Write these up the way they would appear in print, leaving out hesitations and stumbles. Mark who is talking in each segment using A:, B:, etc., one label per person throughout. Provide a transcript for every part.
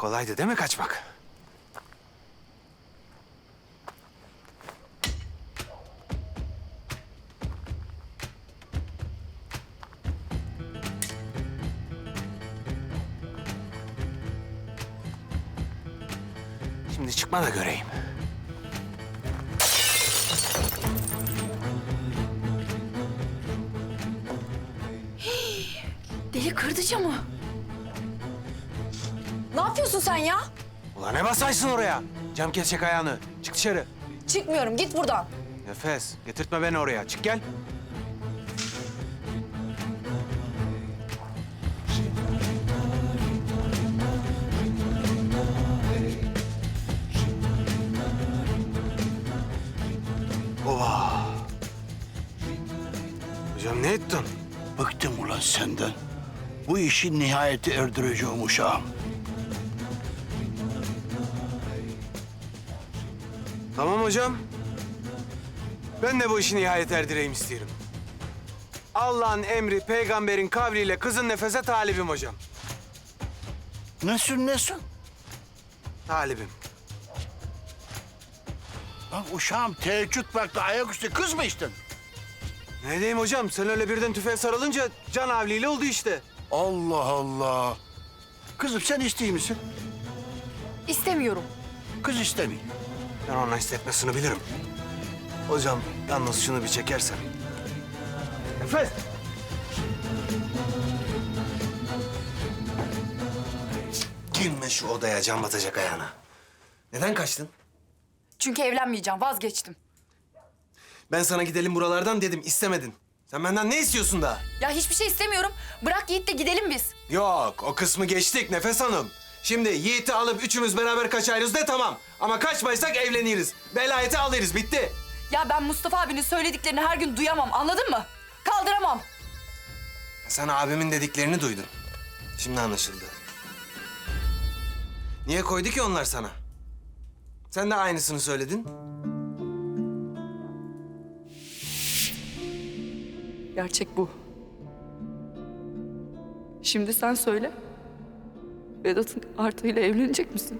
A: Kolaydı değil mi kaçmak? Şimdi çıkma da göreyim.
B: Deli kırdıcı mı? Ne yapıyorsun sen ya?
A: Ulan ne basaysın oraya? Cam kesecek ayağını. Çık dışarı.
B: Çıkmıyorum, git buradan.
A: Nefes, getirtme beni oraya. Çık gel. Oha! Hocam ne ettin?
C: Bıktım ulan senden. Bu işi nihayete erdireceğim uşağım.
A: Tamam hocam. Ben de bu işi nihayet erdireyim istiyorum. Allah'ın emri, peygamberin kavliyle kızın nefese talibim hocam.
C: Nesin?
A: Talibim.
C: Lan uşağım teheccüd vakti ayaküstü kız mı içtin?
A: Ne diyeyim hocam? Sen öyle birden tüfeğe sarılınca can havliyle oldu işte.
C: Allah Allah. Kızım sen isteyeyim misin?
B: İstemiyorum.
C: Kız istemiyor.
A: Ben onun hissetmesini bilirim. Hocam yalnız şunu bir çekersen. Nefes! Girme şu odaya, can batacak ayağına. Neden kaçtın?
B: Çünkü evlenmeyeceğim, vazgeçtim.
A: Ben sana gidelim buralardan dedim, istemedin. Sen benden ne istiyorsun daha?
B: Ya hiçbir şey istemiyorum. Bırak Yiğit de gidelim biz.
A: Yok, o kısmı geçtik Nefes Hanım. Şimdi Yiğit'i alıp üçümüz beraber kaçarız de tamam. Ama kaçmaysak evleniriz. Velayeti alırız, bitti.
B: Ya ben Mustafa abinin söylediklerini her gün duyamam, anladın mı? Kaldıramam.
A: Sen abimin dediklerini duydun. Şimdi anlaşıldı. Niye koydu ki onlar sana? Sen de aynısını söyledin.
B: Gerçek bu. Şimdi sen söyle. Vedat'ın Arta'yla evlenecek misin?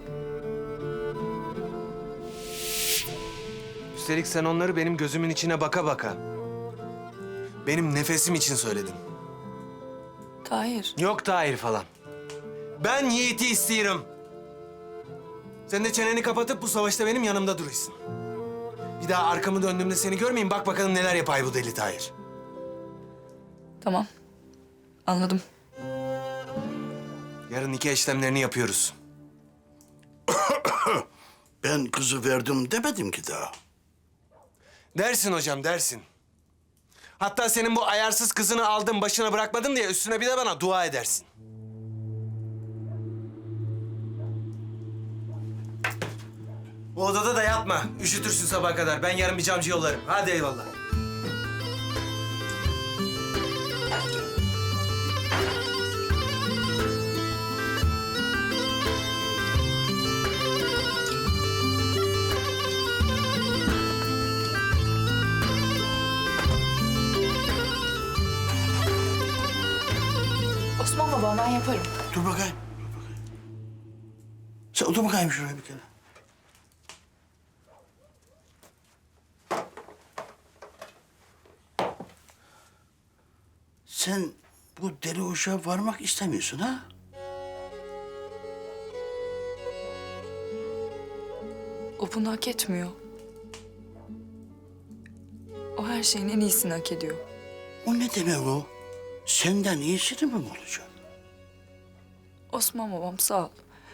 A: Üstelik sen onları benim gözümün içine baka baka, benim nefesim için söyledin.
B: Tahir.
A: Yok Tahir falan. Ben Yiğit'i istiyorum. Sen de çeneni kapatıp bu savaşta benim yanımda duruyorsun. Bir daha arkamı döndüğümde seni görmeyeyim. Bak bakalım neler yapay bu deli Tahir.
B: Tamam. Anladım.
A: Yarın nikah işlemlerini yapıyoruz.
C: Ben kızı verdim demedim ki daha.
A: Dersin hocam, dersin. Hatta senin bu ayarsız kızını aldım, başına bırakmadım diye üstüne bir de bana dua edersin. Bu odada da yatma. Üşütürsün sabaha kadar. Ben yarın bir camcı yollarım. Hadi eyvallah.
B: Osman baba ben yaparım.
C: Dur bakayım. Sen otur bakayım şuraya bir kere. Sen bu deli uşağa varmak istemiyorsun ha?
B: O bunu hak etmiyor. O her şeyin en iyisini hak ediyor.
C: O ne demek o? Senden iyisini mi olacak?
B: Osman babam sağ ol.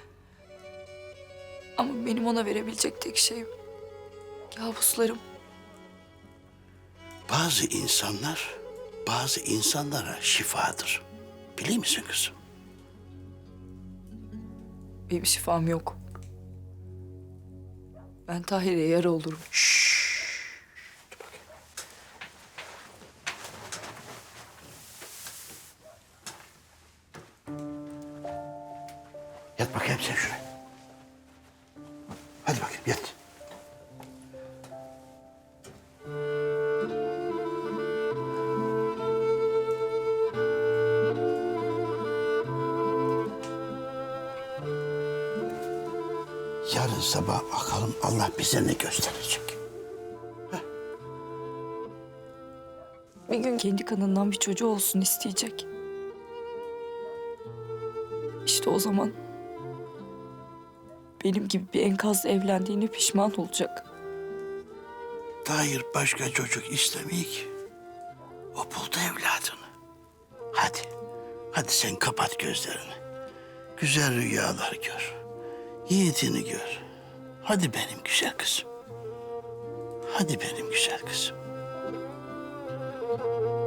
B: Ama benim ona verebilecek tek şeyim kabuslarım.
C: Bazı insanlara şifadır. Biliyor musun kızım?
B: Benim şifam yok. Ben Tahir'e yara olurum.
C: Yat bakayım sen şuraya. Hadi bakayım yat. Yarın sabah bakalım Allah bize ne gösterecek.
B: Bir gün kendi kanından bir çocuğu olsun isteyecek. İşte o zaman benim gibi bir enkazla evlendiğine pişman olacak.
C: Tahir başka çocuk istemiyor ki. O buldu evladını. Hadi. Hadi sen kapat gözlerini. Güzel rüyalar gör. Yiğitini gör. Hadi benim güzel kızım. Hadi benim güzel kızım.